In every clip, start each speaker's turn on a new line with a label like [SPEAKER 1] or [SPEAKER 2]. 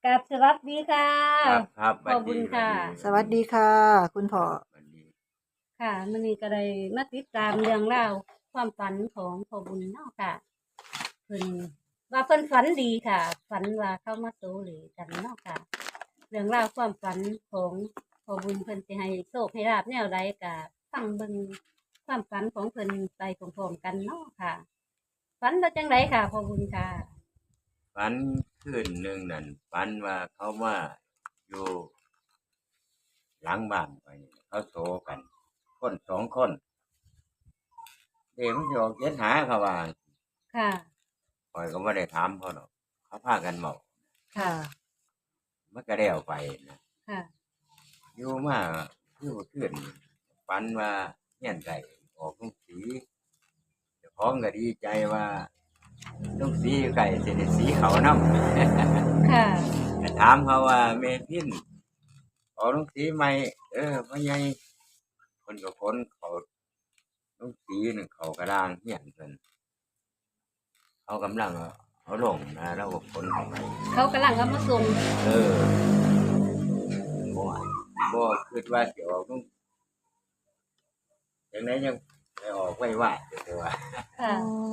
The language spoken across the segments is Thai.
[SPEAKER 1] กับสวัสดีค่ะ
[SPEAKER 2] ครับครับ
[SPEAKER 1] ขอบคุ
[SPEAKER 2] บัดดีบัด
[SPEAKER 1] ณค่ะ
[SPEAKER 2] ดี
[SPEAKER 3] สวัสดีค่ะคุณพ่อ
[SPEAKER 2] บัดดี
[SPEAKER 1] ค่ะมื้อนี้ก็ได้มาติดตามเรื่องราวความฝันของพ่อบุญเนาะค่ะเพิ่นว่าเพิ่นฝันดีค่ะฝันว่าเข้ามาโซเลกันเนาะค่ะเรื่องราวความฝันของพ่อบุญเพิ่นสิให้โชคให้ลาภแนวใดก็ฟังเบิ่งความฝันของเพิ่นไปพร้อมๆกันเนาะค่ะฝันว่าจังไดค่ะพ่อบุญค่ะ
[SPEAKER 2] ฝันคืนหนึ่งนั่นฝันว่าเขามาอยู่หลังบ้านไปเขาโศกันคนสองคนเด็กมันจะออกเจ็ดหาเขาว่า
[SPEAKER 1] ค่ะ
[SPEAKER 2] คอยก็ไม่ได้ถามเขาหรอกเขาพากันเมา
[SPEAKER 3] ค่ะ
[SPEAKER 2] มันก็ได้เอาไปนะ
[SPEAKER 1] ค่ะ
[SPEAKER 2] อยู่มาคือว่าคืนฝันว่าเงี้ยนไก่ออกลูกสีเจ้าของก็ดีใจว่าลูกสีไก่เสด็จสีเขานำ
[SPEAKER 1] ค่ะ
[SPEAKER 2] ก็ถามเขาว่าเมพินขอลุงสีใหม่พ่อใหญ่คนกับคนเขาลุงสีหนึ่งเขากระด้างเหี้ยนเพิ่นเขากำลังเอาลงนะแล้วก็คนเข้าไป
[SPEAKER 1] เขากำลังเอามาส่ง
[SPEAKER 2] เออบ่บ่คิดว่าสิออกลุงจังไดยังไปออกไว้ว่าเด้อว่า
[SPEAKER 1] ค่ะ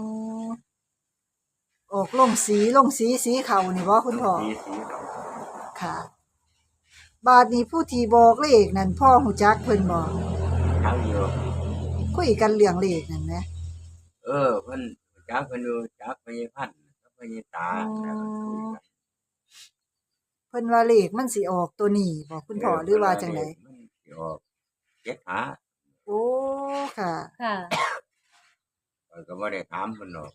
[SPEAKER 3] ออกลงสีสีเขานี่บ่คุณพ่อ
[SPEAKER 2] สีเขา
[SPEAKER 3] ค่ะ บาดนี้ผู้ที่บอกเลขนั่นพ่อหูจักเพิ่นบ่
[SPEAKER 2] ทั้งอยู่
[SPEAKER 3] คุยกันเรื่องเลขนั่นแหม
[SPEAKER 2] เพิ่นจักเพิ่นอยู่จักพญพันธุ์กับพญตาแล้วก็คุยกัน
[SPEAKER 3] เพิ่นว่าเลขมันสิออกตัวนี้บ่คุณพ่อหรือว่าจังได๋
[SPEAKER 2] มันสิออกเจ็ดหา
[SPEAKER 3] โอ้ค่ะ
[SPEAKER 1] ค่ะ
[SPEAKER 2] ข้อยก็บ่ได้ถามเพิ่นหรอก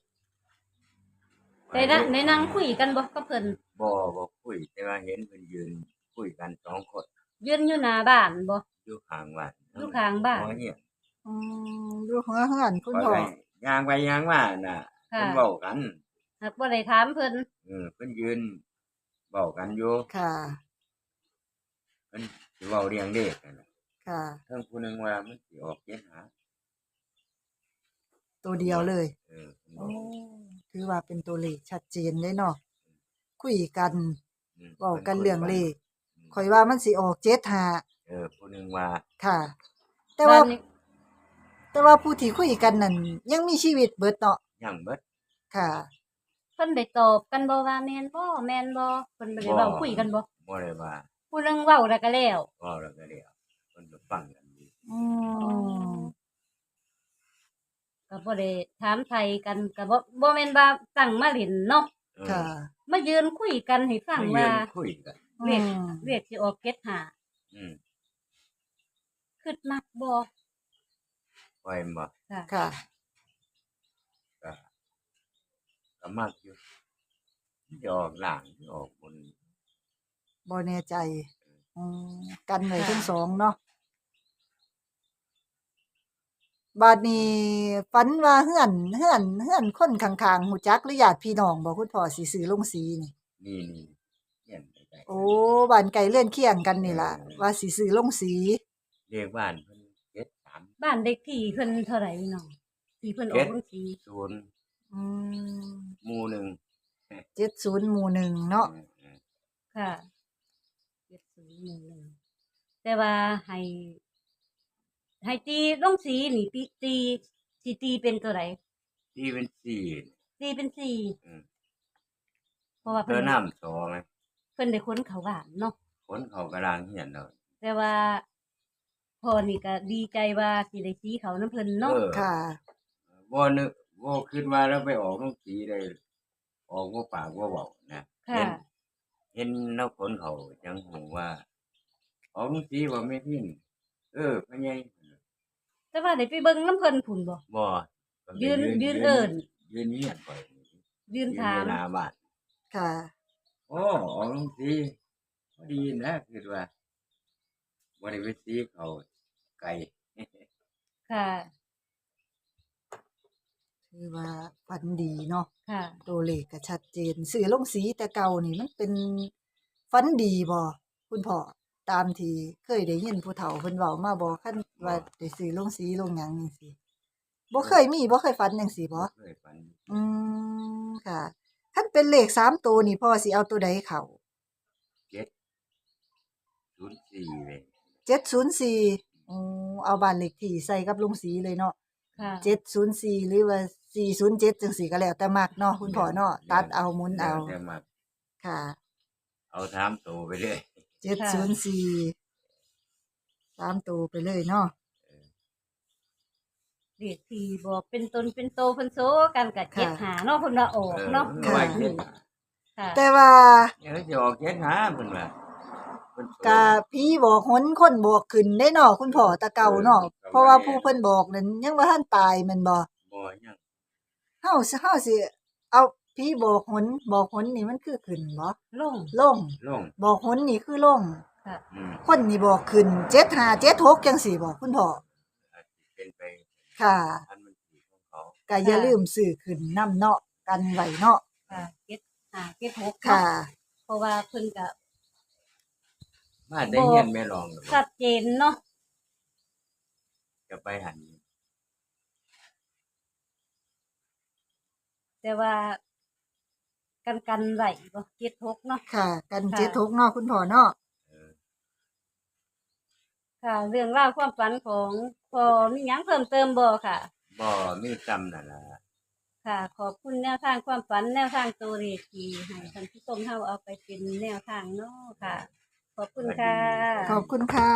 [SPEAKER 1] ในนั่งคุยกันบ่กับเพิ่น
[SPEAKER 2] บ่คุยแต่ว่าเห็นเพิ่นยืนคุยกันสองคน
[SPEAKER 1] ยืนอยู่หน้าบ้านบ่
[SPEAKER 2] อยู่ข้างบ้าน
[SPEAKER 1] อยู่ข้างบ้าน
[SPEAKER 2] หัวเหียน
[SPEAKER 3] อือยู่หัวเฮือนคุณพ่อ
[SPEAKER 2] ข้อยก็ย่างไปย่างมาน่ะ
[SPEAKER 1] ค่ะ
[SPEAKER 2] เพิ่นเว้ากัน
[SPEAKER 1] หากบ่ได้ถามเพิ่น
[SPEAKER 2] เพิ่นยืนเว้ากันอยู่
[SPEAKER 3] ค่ะ
[SPEAKER 2] เพิ่นสิเว้าเรื่องเลขนั่นน่ะ
[SPEAKER 3] ค่ะ
[SPEAKER 2] เทิงผู้หนึงว่ามันสิออกเจ็ดหา
[SPEAKER 3] ตัวเดียวเลย
[SPEAKER 2] เพิ่น
[SPEAKER 3] โอ้
[SPEAKER 2] เว้า
[SPEAKER 3] ถือว่าเป็นตัวเลขชัดเจนเลยเนาะคุยกันเว้า
[SPEAKER 2] เพิ่น
[SPEAKER 3] กัน
[SPEAKER 2] คุย
[SPEAKER 3] เรื่อง
[SPEAKER 2] กัน
[SPEAKER 3] เลขข่อยว่ามันสิออก75
[SPEAKER 2] ผู้หนึงว่า
[SPEAKER 3] ค่ะ แต่ว่า
[SPEAKER 1] บ้านนี้
[SPEAKER 3] แต่ว่าผู้ที่คุยกันนั่นยังมีชีวิตเบิดเนาะ
[SPEAKER 2] ยังเบิด
[SPEAKER 3] ค่ะ
[SPEAKER 1] เพิ่นได้ตอบกันบ่ว่าแม่นบ่แม่นบ่เพิ่นบ่ได้
[SPEAKER 2] บ่
[SPEAKER 1] เว้าคุยกันบ่
[SPEAKER 2] บ่ได้ว่า
[SPEAKER 1] ผู้หนึงเว้าแล้วก็แล้ว
[SPEAKER 2] เว้าแล้วก็เดี๋ยวเพิ่นก็ฟังกันอยู่
[SPEAKER 3] อื
[SPEAKER 1] อ๋อ
[SPEAKER 3] ม
[SPEAKER 1] ก็บ่ได้ถามไทยกันก็บ่แม่นว่าตั้งมาเล่นเนาะ
[SPEAKER 3] ค่ะ
[SPEAKER 1] มายืนคุยกันให้ฟัง
[SPEAKER 2] มายื
[SPEAKER 1] ว่าน
[SPEAKER 2] คุยกัน
[SPEAKER 1] เลข
[SPEAKER 3] อืม
[SPEAKER 1] เลขสิออก75
[SPEAKER 2] อืม
[SPEAKER 1] คิดมักบ่
[SPEAKER 2] ปล่อยบ่
[SPEAKER 1] ค่ะ
[SPEAKER 3] ค่ะ
[SPEAKER 2] ก็ก็มักอยู่จะออกหลังจะออกบน
[SPEAKER 3] บ่แน่ใจอืมกันไว้ทั้ง
[SPEAKER 1] ค่ะ
[SPEAKER 3] สองเนาะบาดนี้ฝันว่าเฮือนคนข้างๆฮู้จักหรือญาติพี่น้องบ่คุณพ่อสิซื้อลงสีนี่
[SPEAKER 2] นี่เงี้ยนไป
[SPEAKER 3] โอ้บ้านไกลเรือนเคียงกันนี่ล่ะว่าสิซื้อลงสี
[SPEAKER 2] เรียกบ้านเพิ่นเจ็ดสาม
[SPEAKER 1] บ้านเด็กที่เพิ่นเท่าไหร่น้องที่เพิ่นออ
[SPEAKER 2] เจ็ด
[SPEAKER 1] กบัญชี
[SPEAKER 2] ศูนย์
[SPEAKER 3] อืม
[SPEAKER 2] หมู่หนึ่ง
[SPEAKER 3] 70หมู่หนึ่งเนาะ
[SPEAKER 1] ค่ะ7011แต่ว่าให้ตีลงสีนี่ตีสิตีเป็นตัวใด
[SPEAKER 2] ที่เป็นสี่
[SPEAKER 1] ตีเป็นสี่
[SPEAKER 2] อืม
[SPEAKER 1] เพราะว่า
[SPEAKER 2] เธอน้ำสอง
[SPEAKER 1] เพิ่นได้ค้นเข้าบ้านเนาะ
[SPEAKER 2] คนเขากระดางเหียนเนาะ
[SPEAKER 1] แต่ว่าพ่อนี่ก็ดีใจว่าสิได้สีเขาน้ำเพิ่นเนาะ
[SPEAKER 3] ค่ะ
[SPEAKER 2] บ่นึกบ่คิดว่าแล้วไปออกต้องสีได้ออกบ่ปากบ่เว้านะ
[SPEAKER 1] ค่ะ
[SPEAKER 2] เห็นแล้วคนเขาจังหูว่าออกต้องสีบ่แม่พินพ่อใหญ่
[SPEAKER 1] แต่ว่าได้ไปเบิ่งน้ำเพิ่นพุ่นบ่
[SPEAKER 2] บ่
[SPEAKER 1] ยืนเอิ้น
[SPEAKER 2] ยืนเงียบไป
[SPEAKER 1] ยืนถาม
[SPEAKER 2] หน้าบ้าน
[SPEAKER 3] ค่ะ
[SPEAKER 2] โอ้ออกลงสีพอดีนะคือว่าบ่ได้ไปสีเขาไกล
[SPEAKER 1] ค่ะ
[SPEAKER 3] คือว่าฝันดีเนาะ
[SPEAKER 1] ค่ะ
[SPEAKER 3] ตัวเลขก็ชัดเจนซื้อลงสีแต่เก่านี่มันเป็นฝันดีบ่คุณพ่อตามที่เคยได้ยินผู้เฒ่าเพิ่นเว้ามาบ่คันว่าได้ซื้อลงสีลงหยังจังซี่บ่เคยมีบ่เคยฝันจังซี่บ่
[SPEAKER 2] เคยฝัน
[SPEAKER 3] อืมค่ะคันเป็นเลข3ตัวนี่พ่อสิเอาตัวใดเข้า
[SPEAKER 2] 704เลย
[SPEAKER 3] 704โอ้เอาบ้านเลขที่ใส่กับลุงศรีเลยเนาะ
[SPEAKER 1] ค่ะ
[SPEAKER 3] 704หรือว่า407จังซี่ก็แล้วแต่มักเนาะคุณพ่อเนาะตัดเอาหมุนเอา
[SPEAKER 2] แล้วแต่มัก
[SPEAKER 3] ค่ะ
[SPEAKER 2] เอาถามโตไปเลย
[SPEAKER 3] 704 3ตัวไปเลยเนาะ
[SPEAKER 1] เด็กที่บอกเป็นตนเป็นโตเพิ่นโซกันกับเจ็ดหาเนาะเพิ่นว่าออกเนาะ
[SPEAKER 2] มันว่าเจ็ด
[SPEAKER 1] ค่ะ
[SPEAKER 3] แต่ว่า
[SPEAKER 2] เดี๋ยวจะออก7หาเพิ่นว่าเพิ่นโต
[SPEAKER 3] กะผีบอกหนคนบอกขึ้นได้เนาะคุณพ่อแตะเก่าเนาะเพราะว่าผู้เพิ่นบอกนั้นยังบ่ทันตายแม่นบ่
[SPEAKER 2] บ่ยัง
[SPEAKER 3] เฮาสิเอาผีบอกหนนี่มันคือขึ้นบ่
[SPEAKER 1] ลง
[SPEAKER 3] ลง
[SPEAKER 2] ลง
[SPEAKER 3] บอกหนนี่คือลง
[SPEAKER 1] ค่ะ
[SPEAKER 3] คนนี่บอกขึ้น7576จังซี่บ่คุณพ่อ
[SPEAKER 2] อาจสิเป็นไป
[SPEAKER 3] ค่ะ
[SPEAKER 2] อันมันสิของเขา
[SPEAKER 3] ก็อย่าลืมซื้อขึ้นนํเนาะกันไว้เนาะ
[SPEAKER 1] ค่ะเจ็ดหาเจ็ดหก
[SPEAKER 3] ค่ะ
[SPEAKER 1] เนาะเพราะว่าเพิ่นก็
[SPEAKER 2] มาได้เฮียนแม่รอง
[SPEAKER 1] ชัดเจนเนาะ
[SPEAKER 2] จะไปหัน
[SPEAKER 1] แต่ว่ากันไหลบ่เจ็ดหกเนาะ
[SPEAKER 3] ค่ะ กัน
[SPEAKER 1] ค่ะ
[SPEAKER 3] 76เนาะคุณพ่อเนาะ
[SPEAKER 2] เออ
[SPEAKER 1] ค่ะ เรื่องราวความฝันของพอมีหยังเพิ่มเติมบ่ค่ะ
[SPEAKER 2] บ่มีจำนั่นล่ะ
[SPEAKER 1] ค่ะ ขอบคุณแนวทางความฝันแนวทางตัวเลขที่ให้ท่านผู้ชมเฮาเอาไปเป็นแนวทางเนาะค่ะ ขอบคุณค่ะ
[SPEAKER 3] ขอบคุณค่ะ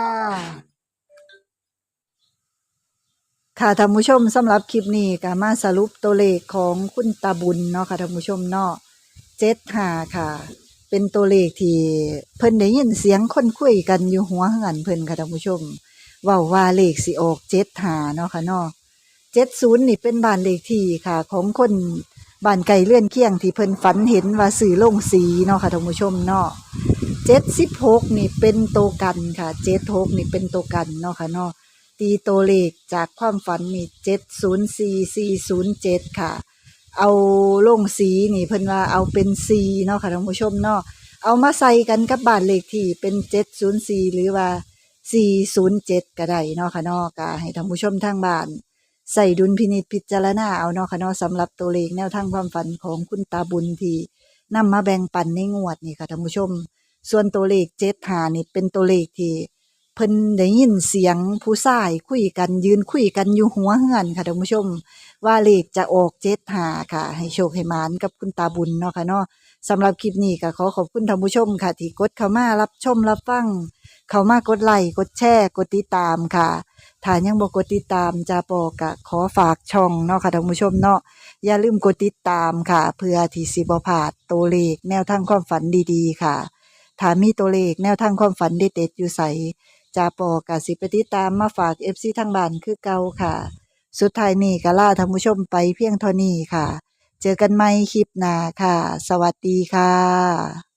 [SPEAKER 3] ค่ะท่านผู้ชมสำหรับคลิปนี้ก็มาสรุปตัวเลขของคุณตาบุญเนาะค่ะท่านผู้ชมเนาะ75ค่ะ เป็นตัวเลขที่เพิ่นได้ยินเสียงคนคุยกันอยู่หัวเฮือนเพิ่นค่ะท่านผู้ชมเว้าว่าเลขสิออก75เนาะค่ะเนาะ70นี่เป็นบ้านเลขที่ค่ะ ของคนบ้านไกลเลื่อนเคียงที่เพิ่นฝันเห็นว่าซื้อลงสีเนาะค่ะท่านผู้ชมเนาะ76นี่เป็นตัวกันค่ะ76นี่เป็นตัวกันเนาะค่ะเนาะ ตีตัวเลขจากความฝันนี่704407ค่ะ เอาลงสีนี่เพิ่นว่าเอาเป็น4เนาะค่ะท่านผู้ชมเนาะเอามาใส่กันกับบ้านเลขที่เป็น704หรือว่า407ก็ได้เนาะค่ะเนาะก็ให้ท่านผู้ชมทางบ้านใส่ดุลพินิจพิจารณาเอาเนาะค่ะเนาะสำหรับตัวเลขแนวทางความฝันของคุณตาบุญที่นำมาแบ่งปันในงวดนี่ค่ะท่านผู้ชม ส่วนตัวเลข75นี่เป็นตัวเลขที่ เพิ่นได้ยินเสียงผู้ชายคุยกันยืนคุยกันอยู่หัวเฮือนค่ะท่านผู้ชม ว่าเลขจะออก75ค่ะ ให้โชคให้หมานกับคุณตาบุญเนาะค่ะเนาะสำหรับคลิปนี้ก็ขอขอบคุณท่านผู้ชมค่ะ ที่กดเข้ามารับชมรับฟัง เข้ามากดไลค์กดแชร์กดติดตามค่ะถ้ายังบ่กดติดตามจาปอก็ขอฝากช่องเนาะค่ะท่านผู้ชมเนาะอย่าลืมกดติดตามค่ะ เพื่อที่สิบ่พลาดตัวเลขแนวทางความฝันดีๆค่ะถ้ามีตัวเลขแนวทางความฝันเด็ดๆอยู่ไส จาปอกะสิไปติดตามมาฝาก FC ทางบ้านคือเก่าค่ะ สุดท้ายนี้ก็ลาท่านผู้ชมไปเพียงเท่านี้ค่ะ เจอกันใหม่คลิปหน้าค่ะ สวัสดีค่ะ